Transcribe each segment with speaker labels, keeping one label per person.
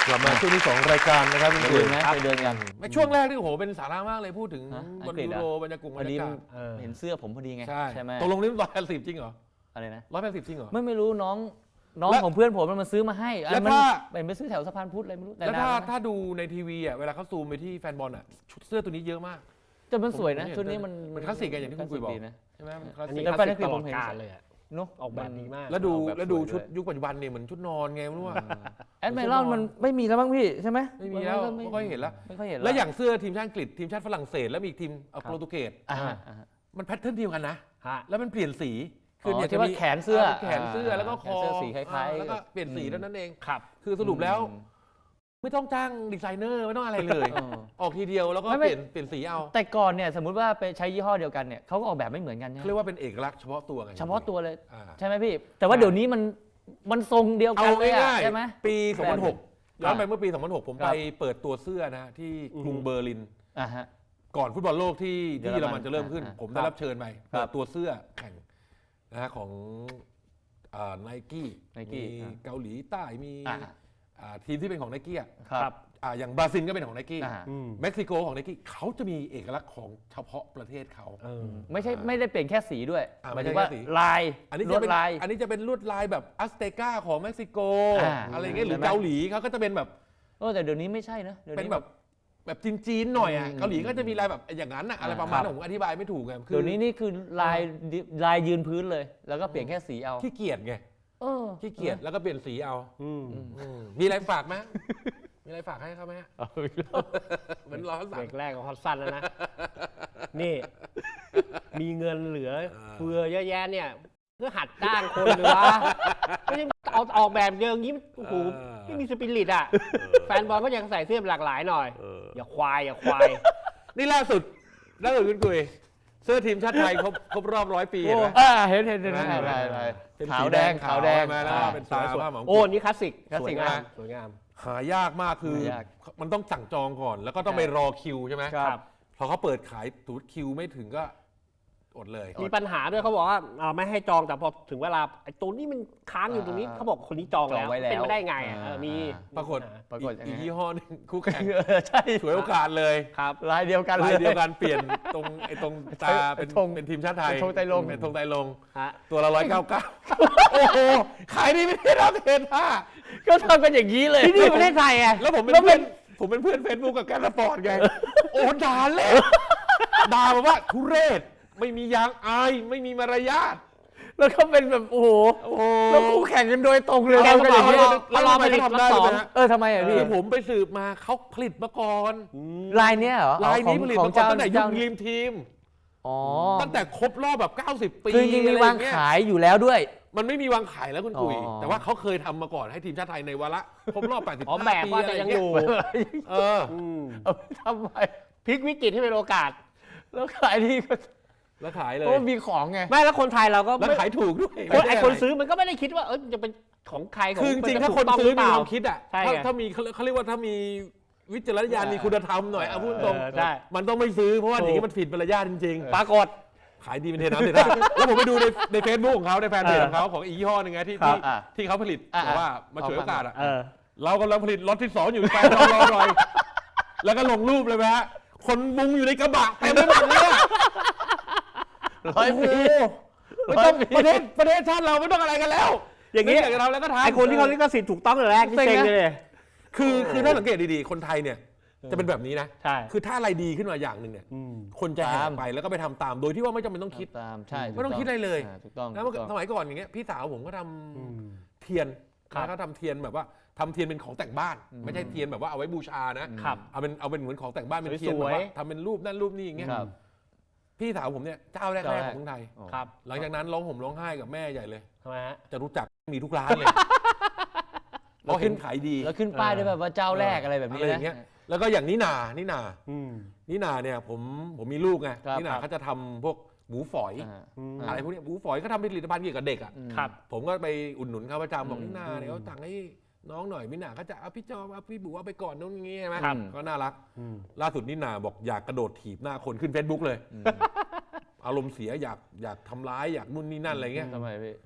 Speaker 1: กลับมาช่วงที่2รายการนะครับคุณ
Speaker 2: ไป
Speaker 1: คุ
Speaker 2: เดิ
Speaker 1: ณ
Speaker 2: นนะไปเดินกัน
Speaker 1: ไม่ช่วงแรกที่โอ้โหเป็นสาระมากเลยพูดถึง
Speaker 2: อั
Speaker 1: บ
Speaker 2: ง
Speaker 1: น
Speaker 2: กฤษ
Speaker 1: ยู
Speaker 2: เหร
Speaker 1: โร
Speaker 2: อ
Speaker 1: บรรยากาศ
Speaker 2: พอดี
Speaker 1: ศ
Speaker 2: เห็นเสื้อผมพอดีไง
Speaker 1: ใช่
Speaker 2: ไหม
Speaker 1: ตกลงนี่180จริงเหรอ
Speaker 2: อะไรนะ
Speaker 1: 180จริงเหรอ
Speaker 2: ไม่รู้น้อง
Speaker 1: แล้ว
Speaker 2: ของเพื่อนผมมันมาซื้อมาให้
Speaker 1: แล้ว
Speaker 2: มัน
Speaker 1: ถ้า
Speaker 2: เป็นไปซื้อแถวสะพานพุทธอะไรไม่รู้แต่
Speaker 1: แล้ว
Speaker 2: นานแล้วนะ
Speaker 1: ถ้าดูในทีวีอ่ะเวลาเขาซูมไปที่แฟนบอลอ่ะชุดเสื้อตัวนี้เยอะมาก
Speaker 2: แต่มันสวยนะ
Speaker 1: ผมเห็น
Speaker 2: ชุดนี้มัน
Speaker 1: มันคลาสสิกไงอย่างที่คุณกุยบอก
Speaker 2: ลาสสินะ
Speaker 1: ใช่ไหมมันคลาส
Speaker 3: อัน
Speaker 1: สิ
Speaker 3: นี้
Speaker 1: ก
Speaker 2: แล้ว
Speaker 3: คลาส
Speaker 2: แฟน
Speaker 3: สิก
Speaker 2: นักเรียน
Speaker 3: ตล
Speaker 2: ผ
Speaker 3: อ
Speaker 2: ม
Speaker 3: ด
Speaker 2: เห็น
Speaker 3: กาลเลยอะ
Speaker 2: เนาะ
Speaker 3: ออกแบบดีมาก
Speaker 1: แล้วดู
Speaker 2: ออกแบบ
Speaker 1: แล้วดู
Speaker 2: สวยด้วย
Speaker 1: ชุดยุคปัจจุบันเนี่ยเหมือนชุดนอนไงไม่รู้ว่า
Speaker 2: แอดไมรอนมันไม่มีแล้วบ้างพี่ใช่ไหม
Speaker 1: ไม่มีแล้วไม่ค่อยเห็นแล้ว
Speaker 2: ไม่ค่อยเห็น
Speaker 1: แล้วอย่างเสื้อทีมชาติอังกฤษทีมชาติฝรั่งเศสแล้วมีอีกทีมโปรตุเกส
Speaker 2: อ่า
Speaker 1: มันแพทเทิร์นเดียวกันนะ
Speaker 3: ฮะ
Speaker 1: แล้วมันเปลี่ยนสี
Speaker 2: อ๋อ
Speaker 1: เนี่ย
Speaker 2: ที่ว่าแขนเสื้อ
Speaker 1: แขนเสื้อแล้วก็คอ
Speaker 2: แขนเสื้อสีคล้ายๆ
Speaker 1: แล้วก็เปลี่ยนสีเท่านั้นเอง
Speaker 3: ครับ
Speaker 1: คือสรุปแล้ว ไม่ต้องจ้างดีไซเนอร์ไม่ต้องอะไรเลย
Speaker 2: เออ
Speaker 1: ออกทีเดียวแล้วก็
Speaker 2: ไม่
Speaker 1: เปลี่ยนสีเอา
Speaker 2: แต่ก่อนเนี่ยสมมุติว่าไปใช้ยี่ห้อเดียวกันเนี่ยเขาก็ออกแบบไม่เหมือนกันใช่ไหม
Speaker 1: เรียกว่าเป็นเอกลักษณ์เฉพาะตัวไง
Speaker 2: เฉพาะตัวเลย
Speaker 1: อ่า
Speaker 2: ใช่ไหมพี่ แต่ว่าเดี๋ยวนี้มันทรงเดียวกั
Speaker 1: เอา
Speaker 2: นเลยอะ
Speaker 1: ง่าย
Speaker 2: ใช่ไหม
Speaker 1: ๆปี 2006 ย้อนไป
Speaker 2: ครับ
Speaker 1: เมื่อปี 2006 ผม
Speaker 2: ครั
Speaker 1: ไป
Speaker 2: บ
Speaker 1: เปิดตัวเสื้อนะที่กรุงเบอร์ลิน
Speaker 2: อ่าฮะ
Speaker 1: ก่อนฟุตบอลโลกที่
Speaker 2: เยอรมัน
Speaker 1: เยอรมันจะเริ่มขึ้น
Speaker 2: อ่า
Speaker 1: ผมได้รับเชิญไป
Speaker 2: ครับ
Speaker 1: เปิดตัวเสื้อแข่งนะฮะของไนกี้
Speaker 2: Nike
Speaker 1: มีเกาหลีใต้มี
Speaker 2: อ่า
Speaker 1: ทีมที่เป็นของไนกี้
Speaker 2: ครับ
Speaker 1: อย่างบราซิลก็เป็นของไนกี้
Speaker 2: อ่า
Speaker 1: เม็กซิโกของไนกี้เขาจะมีเอกลักษณ์ของเฉพาะประเทศเขา
Speaker 2: ไม่ได้เปลี่ยนแค่สีด้วย
Speaker 1: อ่า
Speaker 2: หมายถึงว่า
Speaker 1: ไม่ใช่แค่สี
Speaker 2: ลาย
Speaker 1: อันนี้
Speaker 2: ล
Speaker 1: จะ
Speaker 2: วด
Speaker 1: เป็น
Speaker 2: ลาย
Speaker 1: อันนี้จะเป็นลวดลายแบบอัสเตกาของเม็กซิโก
Speaker 2: อะไร
Speaker 1: เงี้ยหรือ
Speaker 2: ใช่ไหม
Speaker 1: เกาหลีเขาก็จะเป็นแบบ
Speaker 2: แต่เดี๋ยวนี้ไม่ใช่นะดี๋ยว
Speaker 1: เป็น
Speaker 2: นี้
Speaker 1: แบบจีนๆหน่อยอ่ะ
Speaker 2: อืม
Speaker 1: เกาหลีก็จะมีลายแบบอย่างนั้นอะอะไรประมาณ
Speaker 2: ครั
Speaker 1: นั้น
Speaker 2: บ
Speaker 1: ผมอธิบายไม่ถูกไงคื
Speaker 2: เดี๋ยวนี้นี่คือลายยืนพื้นเลย แล้วก็เปลี่ยนแค่สีเอา
Speaker 1: ขี้เกียจไง
Speaker 2: เออ
Speaker 1: ขี้เกียจแล้วก็เปลี่ยนสีเอา
Speaker 3: อืม
Speaker 1: มีอะไรฝากไหมมีอะไรฝากให้เขาไหมฮะเหมือนรอเขา
Speaker 3: เบ
Speaker 1: สั่
Speaker 3: รง กแรกก็ฮอตสั้นแล้วนะ นี่ มีเงินเหลือเฟือเยอะแยะเนี่ยก็หัดจ้างคนเลยวะไม่ใช่เอาออกแบบเยอะอย่างนี้โอ้โหไม่มีสปิริตอ่ะ แฟนบอลก็ยังใส่เสื้อหลากหลายหน่อย อย่าควายอย่าควาย
Speaker 1: นี่ล่าสุดคุณกุยเสื้อทีมชาติไทยครบรอบ100 ปีเห็นไหม
Speaker 2: เห็น
Speaker 1: เห็นไหม
Speaker 2: ขาวแดง
Speaker 1: ขาวมาแล้วเป็นตาผ้าหมอง
Speaker 3: โอ้นี่คลาสสิก
Speaker 2: คลาส
Speaker 3: สว
Speaker 2: สิ
Speaker 3: ย
Speaker 2: ก
Speaker 3: งาม
Speaker 2: นะ
Speaker 3: สวยงาม
Speaker 1: หายากมากคือ
Speaker 2: หายาก
Speaker 1: มันต้องสั่งจองก่อน แล้วก็ต้องไปรอคิวใช่ไหม
Speaker 2: ครับ
Speaker 1: พอเขาเปิดขายตูดคิวไม่ถึงก็อดเลย
Speaker 3: มีปัญหาด้วยเขาบอกว่าไม่ให้จองแต่พอถึงเวลาไอ้ตัวนี้มันค้างอยู่ตรงนี้เขาบอกคนนี้จองแล้ว
Speaker 2: จองไว้แล้ว
Speaker 3: เป็นไปได้ไงมี
Speaker 1: ปรากฏ
Speaker 2: ปรากฏยังไง
Speaker 1: อีกยี่ห้อหนึงคู่แข่ง
Speaker 2: ใช่
Speaker 1: ฉวยโอกาสเลย
Speaker 3: ครับ
Speaker 2: ลายเดียวกันเล
Speaker 1: ลาย
Speaker 2: ย
Speaker 1: เดียวกันเปลี่ยนตรงตาเป็น
Speaker 2: ธง
Speaker 1: เป็นทีมชาติไทย
Speaker 2: เป็นธงไตรรงค์
Speaker 1: เป็นธงไตรรงค์
Speaker 3: ฮะ
Speaker 1: ตัวละ199โอ้โหขายดีไม่ได้รับเทนท่า
Speaker 2: ก็ทำกันอย่างนี้เลย
Speaker 3: ที่นี่ประเทศไทยไง
Speaker 1: แล้วผมเป็นเพื่อนเฟซบุ๊กกับแกนสปอร์ตไง โอ้ด่าเละด่าแบบว่าทุเรศไม่มียางอายไม่มีมารยาท
Speaker 2: แล้วก็เป็นแบบโอ้โห แล้วคู่แข่งกันโดยตรงเลย
Speaker 3: แกก็บอก
Speaker 2: ทำกันอย่างนี้
Speaker 1: แล้วทำไมเขาทำได้
Speaker 3: รอบสอง
Speaker 1: รู้ไหมฮะ
Speaker 2: ทำไมอ่ะ
Speaker 1: คื
Speaker 2: พี่
Speaker 1: อผมไปสืบมาเขาผลิตมาก่อน
Speaker 2: ลายเนี้ยเหรอ
Speaker 1: ลายนี้
Speaker 2: ของ
Speaker 1: ผลิต
Speaker 2: ของ
Speaker 1: มาก่อนตั้งแต่ยุ
Speaker 2: เจ้า
Speaker 1: ครีมทีม
Speaker 2: อ๋อ
Speaker 1: ตั้งแต่ครบรอบแบบ90 ปี
Speaker 2: คือจริงๆมีวาง
Speaker 1: อะไรอย่เย
Speaker 2: ขายอยู่แล้วด้วย
Speaker 1: มันไม่มีวางขายแล้วคุณกุย
Speaker 2: อ๋อ
Speaker 1: แต่ว่าเขาเคยทำมาก่อนให้ทีมชาติไทยในวาระครบรอบ85
Speaker 3: อ๋อแบบ
Speaker 1: ปี
Speaker 3: ว่า
Speaker 1: อะไร
Speaker 3: จะ
Speaker 1: อ
Speaker 3: ยั
Speaker 1: ย่าง ง
Speaker 3: อ
Speaker 1: เงี้ย
Speaker 3: ยู่
Speaker 1: เออ
Speaker 2: เอาไปทำไม
Speaker 3: พลิกวิกฤตให้เป็นโอกาส
Speaker 2: แล้วขายดีก็
Speaker 1: แล้วขายเล
Speaker 2: เพ
Speaker 1: ย
Speaker 2: ราะว่ามีของไง
Speaker 3: ไม่แล้วคนไทยเราก็
Speaker 1: แล้ว
Speaker 3: ไม่
Speaker 1: ขายถูกด้วย
Speaker 3: ไอ้คนซื้อมันก็ไม่ได้คิดว่าจะเป็นของใครของ
Speaker 1: คือจริงๆถ้า
Speaker 3: ถู
Speaker 1: คน
Speaker 3: กต้อง
Speaker 1: ซื้อ
Speaker 3: หรื
Speaker 1: มี
Speaker 3: เป
Speaker 1: ค
Speaker 3: ล่
Speaker 1: วามคิดอ่ะ
Speaker 3: ใช่
Speaker 1: ถ้ามีเขาเรียกว่าถ้ามีวิจารณญาณมีคุณธรรมหน่อยเอาพูดตรง
Speaker 3: ใช่
Speaker 1: มันต้องไม่ซื้อเพราะว่า
Speaker 3: ถูก
Speaker 1: อย่างนี้มันผิดมารยาทจริง
Speaker 3: ปรากฏ
Speaker 1: ๆ ขายดีเป็นเทน้ำเทท่าแล้วผมไปดูในเฟซบุ๊กของเขาในแฟนเพจของเขาของอีกยี่ห้อหนึงไงที่
Speaker 3: ครับ
Speaker 1: ที่เขาผลิตบอกว่ามาฉวยโอกาสอ่ะ
Speaker 3: เออ
Speaker 1: เรากำลังผลิตล็อตที่ 2 อยู่แฟนเรารอหน่อยแล้วก็ลงรูปเลยไหมฮะคนมุงอยู่ในกระบะเต็มไปหมดเลยอะ
Speaker 2: 100 ปี
Speaker 1: ไม่ต้องประเทศชาติเราไม่ต้องอะไรกันแล้ว
Speaker 3: อย่างนี้
Speaker 1: นี้อยากจะทำแล้วก็ทำ
Speaker 3: ไอ้คนที่เขาลิขสิทธิ์ถูกต้องแต่แรกนี่เซ็งเลย
Speaker 1: คือถ้าสังเกตดีๆ คนไทยเนี่ยจะเป็นแบบนี้นะ
Speaker 3: ใช่
Speaker 1: คือถ้าอะไรดีขึ้นมาอย่างหนึ่งเนี่ยคนจะแห่ไปแล้วก็ไปทำตามโดยที่ว่าไม่จำเป็นต้องคิด
Speaker 2: ตามใช่
Speaker 1: ไม่ต้องคิดอะไรเลย
Speaker 2: ถูกต้อง
Speaker 1: แล้วสมัยก่อนอย่างเงี้ยพี่สาวผมก็ทำเทียน
Speaker 3: ครับ
Speaker 1: เขาทำเทียนแบบว่าทำเทียนเป็นของแต่งบ้าน ไม่ใช่เทียนแบบว่าเอาไว้บูชานะครับ เอาเป็นเหมือนของแต่งบ้านเป็นเทียน
Speaker 3: ส
Speaker 1: แบ
Speaker 3: วย
Speaker 1: บ
Speaker 3: ๆ
Speaker 1: ว่าทำเป็นรูปนั่นรูปนี่อย่างเงี้ย
Speaker 2: ครับ
Speaker 1: พี่สาวผมเนี่ยเจ้าแรกๆของเมืองไทย
Speaker 3: ครับ
Speaker 1: หลังจากนั้นร้องห่มร้องไห้กับแม่ใหญ่เลย
Speaker 3: ทำไมฮะ
Speaker 1: จะรู้จักมีทุกร้านเลยเพราะเห็นขายดี
Speaker 2: แล้วขึ้นป้ายด้วยแบบว่าเจ้าแรกอะไรแบบนี้
Speaker 1: อะไรอย่างเงี้ย แล้วก็อย่างนิน่าเนี่ยผมมีลูกไง
Speaker 2: ครับ
Speaker 1: นิน่าเขาจะทำพวกหมูฝอย อะไรพวกเนี้ยหมูฝอยก็ทำเป็นผลิตภัณฑ์เกี่ยวกับเด็กอ่ะ
Speaker 3: ครับ
Speaker 1: ผมก็ไปอุดหนุนเขาประจำบอกนิน่าเนี่ยเขาสั่งให้น้องหน่อยนิน่าก็จะเอาพี่จอมเอาพี่บุ๋เอาไปก่อนนู่นงี้ใช่ไหม
Speaker 3: ครับ
Speaker 1: ก็น่ารักล่าสุดนิน่าบอกอยากกระโดดถีบหน้าคนขึ้น Facebook เลย อารมณ์เสียอยากทำร้ายอยากนู่นนี่นั่นอะไรเงี้ย
Speaker 2: ทำไมพี่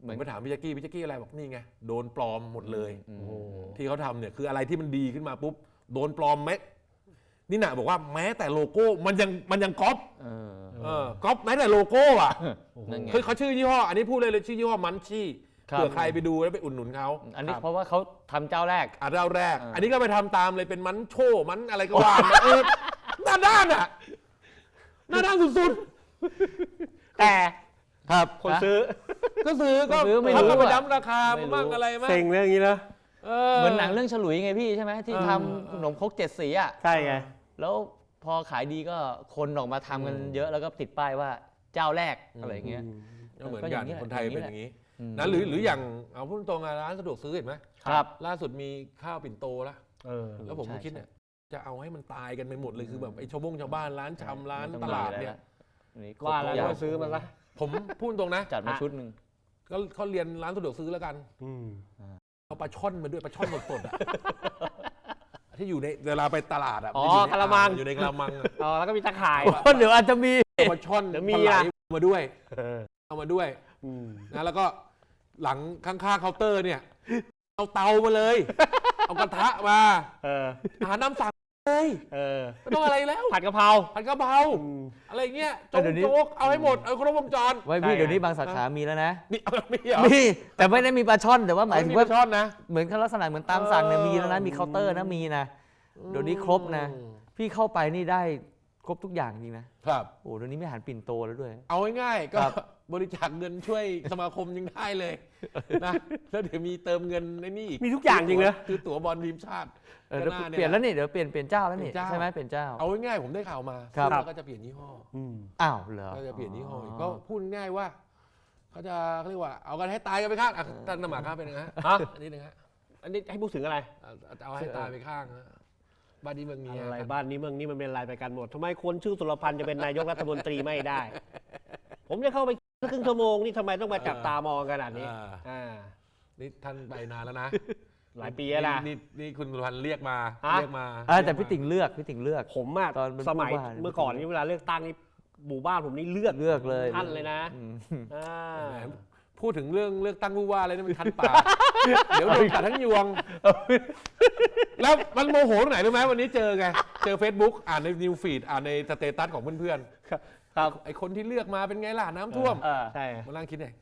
Speaker 2: เหมื
Speaker 1: ผ
Speaker 2: อน
Speaker 1: มไปถามพี่แจ๊กกี้อะไรบอกนี่ไงโดนปลอมหมดเลย
Speaker 2: อืม
Speaker 3: โอ้โห
Speaker 1: ที่เขาทำเนี่ยคืออะไรที่มันดีขึ้นมาปุ๊บโดนปลอมไหมนี่น่ะบอกว่าแม้แต่โลโก้มันยังก๊อป ก๊อปแม้แต่โลโก้อ่ะ
Speaker 2: นั่นไง
Speaker 1: คือเขาชื่อยี่ห้ออันนี้พูดเลยชื่อยี่ห้อมันชี่
Speaker 2: ครับ
Speaker 1: เผื่อใครไปดูแล้วไปอุดหนุนเขา
Speaker 2: อันนี้เพราะว่าเขาทำเจ้าแรก
Speaker 1: เจ้าแรก
Speaker 2: อ่า
Speaker 1: อันนี้ก็ไปทำตามเลยเป็นมันโชมันอะไรก็ว่ามาหน้าด้านอ่ะหน้าด้านสุด
Speaker 3: แต่
Speaker 2: ครับ
Speaker 3: คนซื้อ
Speaker 1: ๆก็ซื้อก็
Speaker 2: ซื้อไม่รู้
Speaker 1: เขาก็ไป
Speaker 2: อะ
Speaker 1: ดั้มราคา
Speaker 2: ไม่รู้
Speaker 1: มั่งอะไรมั่ง
Speaker 3: เซ็งเรื่องนี้นะ
Speaker 2: เหมือนหนังเรื่องฉลุยไงพี่ใช่ไหมที่ทำขนมครก7 สีอ่ะ
Speaker 3: ใช่ไง
Speaker 2: แล้วพอขายดีก็คนออกมาทำกันเยอะแล้วก็ติดป้ายว่าเจ้าแรกอะไรอย่างเงี้ย
Speaker 1: ก็เหมือน
Speaker 2: ก็อ
Speaker 1: กั
Speaker 2: ย่าน งนี้แหละ
Speaker 1: คนไทย
Speaker 2: อย่างนี้
Speaker 1: เป็น
Speaker 2: แหละ
Speaker 1: อย่างนี้
Speaker 2: อืม
Speaker 1: นะหรืออย่างเอาพูดตรงๆร้านสะดวกซื้อเห็นไหม
Speaker 2: ครับ
Speaker 1: ล่าสุดมีข้าวปิ่นโตแล้ว แล้วผม
Speaker 2: ใช่
Speaker 1: ก็คิด
Speaker 2: ใช่
Speaker 1: เนี่ยจะเอาให้มันตายกันไปหมดเลยคือแบบไอ้ชาวบ้านร้านชำร้าน
Speaker 2: ไม่
Speaker 1: ต
Speaker 2: อง
Speaker 1: ลาด
Speaker 2: มีอะไร
Speaker 1: เนี่ย
Speaker 2: ละอันนี้
Speaker 3: ว่าแล้ว
Speaker 2: ครบทุกอย่
Speaker 3: ก็ซื้อมันละ
Speaker 1: ผมพูดตรงนะ
Speaker 2: จัดมาชุดหนึ่ง
Speaker 1: ก็เขาเรียนร้านสะดวกซื้อแล้วกันเอาปลาช่อนมาด้วยปลาช่อนสดๆอ่ะที่อยู่ในเวลาไปตลาดอ่ะ
Speaker 3: อ๋อ
Speaker 1: มันอยู่ใน
Speaker 3: กะละมัง
Speaker 1: อยู่ในกะละมังอะ
Speaker 3: อ๋อแล้วก็มีตะข่าย
Speaker 2: เดี๋ยวอาจจะมี
Speaker 1: เอาปลาช่อน
Speaker 3: เดี๋ยวมี
Speaker 1: ปลาไหล
Speaker 3: อะ
Speaker 1: มาด้วยเอามาด้วยนะแล้วก็หลังข้างๆเคาน์เตอร์เนี่ย เอาเตามาเลย เอากระทะมาอาหารน้ำสั่งเลยไม่ต้องอะไรแล้ว
Speaker 3: ผัดกะเพรา
Speaker 1: ผัดกะเพราอะไรเงี้ยโจ๊
Speaker 2: เดี๋ยวนี้
Speaker 1: กเอาให้หมดเอาครบวงจร
Speaker 2: ไว้พี่
Speaker 3: ใช่
Speaker 2: เดี๋ยวนี้บางสาขามีแล้วนะ
Speaker 1: มีเอาไม่เหรอ
Speaker 2: มีแต่ไม่ได้มีปลาช่อนแต่ว่าหมายถึงว่า
Speaker 1: ปลช่อนนะ
Speaker 2: เหมือนลักษณะเหมือนตามสั่งเนี่ยมีแล้วนะมีเคาน์เตอร์นะมีนะเดี๋ยวนี้ครบนะ พี่เข้าไปนี่ได้ครบทุกอย่างจริงนะครับ โอ้เดี๋ยวนี้ไม่หันปิ่นโตแล้วด้วย
Speaker 1: เอาง่ายๆก็
Speaker 2: ครับ
Speaker 1: บริจาคเงินช่วยสมาคมยังได้เลยนะแล้วเดี๋ยวมีเติมเงินในนี่อีก
Speaker 3: มีทุกอย่างจริงเหรอ
Speaker 1: คือตั๋วบอลทีมชาติ
Speaker 2: เดี๋ยว
Speaker 1: ก็า
Speaker 2: เปลี่ยนแล้วนี่เดี๋ยวเปลี่ยนเจ้าแล้วนี่
Speaker 1: เปลี่ยนเจ้า
Speaker 2: ใช่ไหมเปลี่ยนเจ้า
Speaker 1: เอาง่ายๆผมได้ข่าวมา
Speaker 2: ครับ
Speaker 1: แล้วก็จะเปลี่ยนยี่ห้อ
Speaker 2: อ้าวเหรอ
Speaker 1: ก็จะเปลี่ยนยี่ห้ออีกก็พูดง่ายว่าเขาจะเขาเรียกว่าเอากันให้ตายกันไปข้างอ่ะท่านนหมาข้างเป็นยังไงฮะอันนี้นึงฮะ
Speaker 3: อันนี้ให้พูดถึงอะไร
Speaker 1: เอาให้ตายไปข้างฮะบ้านนี้เมืองเมีย
Speaker 3: อะไรบ้านนี้เมืองนี้มันเป็นอะไรไปกันหมดทำไมคนชื่อสุรพันธ์จะเป็นนายกรัฐมนตรีไม่ได้ ผมจะเข้าไปครึ่งชั่วโมงนี่ทำไมต้องมาจับตามองขนาดนี้
Speaker 1: นี่ท่านไปนานแล้วนะ
Speaker 3: หลายปีแล้วนะ
Speaker 1: นี่คุณสุพรรณเรียกมา
Speaker 3: ฮะ
Speaker 1: เรียกมา
Speaker 2: แต่พี่ติ่งเลือกพี่ติ่งเลือก
Speaker 3: ผมอะ
Speaker 2: ตอนเป็น
Speaker 3: สมัย
Speaker 2: ผู้ว่า
Speaker 3: เมื่อก่อนนี่เวลาเลือกตั้งนี่หมู่บ้านผมนี่เลือก
Speaker 2: เลือกเลย
Speaker 3: ท่านเลยนะ
Speaker 2: อืม
Speaker 3: อ่า
Speaker 1: แหมพูดถึงเรื่องเลือกตั้งผู้ว่าอะไรนี่มันคันปาก เดี๋ยวโดนกัดทั้งยวง แล้วมันโมโหตรงไหนรู้ไหมวันนี้เจอไง เจอ Facebook อ่านในนิวฟีดอ่านในสเตตัสของเพื่อน
Speaker 3: ครับ
Speaker 1: ๆไอคนที่เลือกมาเป็นไงล่ะน้ำท่วม
Speaker 3: ใช่
Speaker 1: มานั่งคิดไง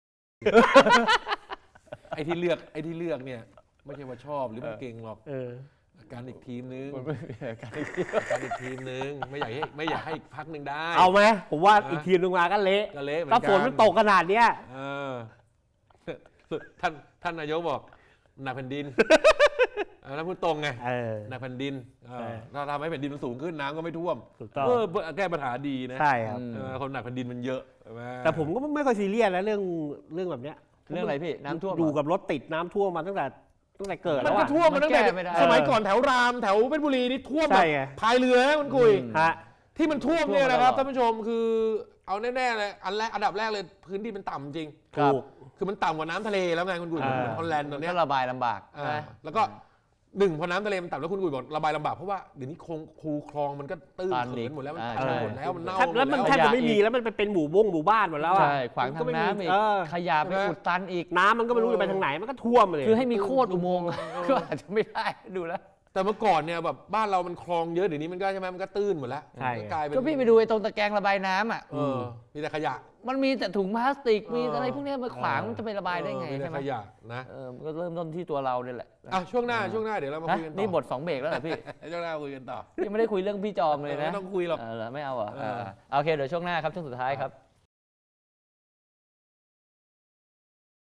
Speaker 1: ไอที่เลือกเนี่ย ไม่ใช่ว่าชอบหรือมันเก่งหรอกอาการอีกทีมนึงอาการอีกทีมนึงไม่อยากให้อีกพักหนึ่งได้
Speaker 3: เอาไหมผมว่าอีกทีมลงมาก็เละ
Speaker 1: ก็เละเหมือน
Speaker 3: ถ้า
Speaker 1: กัน
Speaker 3: ฝนมันตกขนาดเนี้ย
Speaker 1: เออท่านนายกบอกหนักแผ่นดินแล้วพูดตรงไงหนักแผ่นดินถ้าทำให้แผ่นดินมันสูงขึ้นน้ำก็ไม่ท่วม
Speaker 3: ถูกต้อง
Speaker 1: แก้ปัญหาดีนะ
Speaker 3: ใช่ครับ
Speaker 1: คนหนักแผ่นดินมันเยอะใช่ไหม
Speaker 3: แต่ผมก็ไม่ค่อยซีเรียสนะเรื่องแบบเนี้ย
Speaker 2: เรื่องอะไรพี่น้ำท่วมเหรอ
Speaker 3: อยู่กับรถติดน้ำท่วมมาตั้งแต่เกิด
Speaker 1: มั
Speaker 3: แล้
Speaker 1: น
Speaker 3: ว
Speaker 1: ก็
Speaker 3: อะ
Speaker 1: ท่วมมาตั้งแต่
Speaker 2: มันแก้ไม่ได้
Speaker 1: สมัยก่อนแถวรามแถวเพชรบุรีนี่ท่วมแบ
Speaker 3: ใช่
Speaker 1: บ
Speaker 3: ไง
Speaker 1: พายเรือนะคุณกุย
Speaker 3: ฮะ
Speaker 1: ที่มันท่วมเนี่ยนะครับ
Speaker 2: ท่วมมาตลอด
Speaker 1: ท่านผู้ชมคือเอาแน่ๆเลยอันดับแรกเลยพื้นที่มันต่ำจริง
Speaker 2: ครับ
Speaker 1: คือมันต่ำกว่าน้ำทะเลแล้วไงคุณกุยเหมือนฮอลแลนด์ตอนเนี้ย
Speaker 2: ก็ระบายลำบาก
Speaker 1: แล้วก็หนึ่งพอน้ำทะเลมันต่ำแล้วคุณกุยบอกระบายลำบากเพราะว่าเดี๋ยวนี้คูคลองมันก็ตื้น
Speaker 2: ตัน
Speaker 1: เขิ
Speaker 2: อี
Speaker 1: น
Speaker 2: ก
Speaker 1: หมดแล้วมัน
Speaker 2: ใช่
Speaker 1: ตันหมดแล้วมันเน่าหมด
Speaker 3: แล้วมัน
Speaker 1: แล้ว
Speaker 3: แทบจะไม่มีแล้วมันเป็นหมู่บ้านหมดแล้วอะ
Speaker 2: ใช่ขวางทางน้ำอีก
Speaker 3: เออ
Speaker 2: ขยะไปอุดตันอีก
Speaker 3: น้ำมันก็ไม่รู้จะไปทางไหนมันก็ท่วมเลย
Speaker 2: คือให้มีโคตรอุโมงค์ก็อาจจะไม่ได้ดูแล้ว
Speaker 1: แต่เมื่อก่อนเนี่ยแบบบ้านเรามันคลองเยอะเดี๋ยวนี้มันก็ใช่ไหมมันก็ตื้นหมดแล้ว
Speaker 3: ใช่
Speaker 1: ก็กลายเป็น
Speaker 2: ก็พี่ไปดูไอ้ตรงตะแกรงระบายน้ำอ่ะ
Speaker 1: มีแต่ขยะ
Speaker 2: มันมีแต่ถุงพลาสติก มีอะไรพวกเนี้ยมาขวางมันจะไประบายได้ไง
Speaker 1: มีแต่
Speaker 2: ใช่ไหม
Speaker 1: ขยะนะ
Speaker 2: มันก็เริ่มต้นที่ตัวเราเนี่ยแหละ
Speaker 1: ช่วงหน้าเดี๋ยวเรามาคุยกันต่อ
Speaker 2: นี่บท2 เบรกแล้วเหรอพี่
Speaker 1: ช่วงหน้าคุยกันต่อ
Speaker 2: ยังไม่ได้คุยเรื่องพี่จอมเลยนะ
Speaker 1: ไม่ต้องคุยหรอก
Speaker 2: เหรอไม่เอาเหรอโอเคเดี๋ยวช่วงหน้าครับช่วงสุดท้ายครับ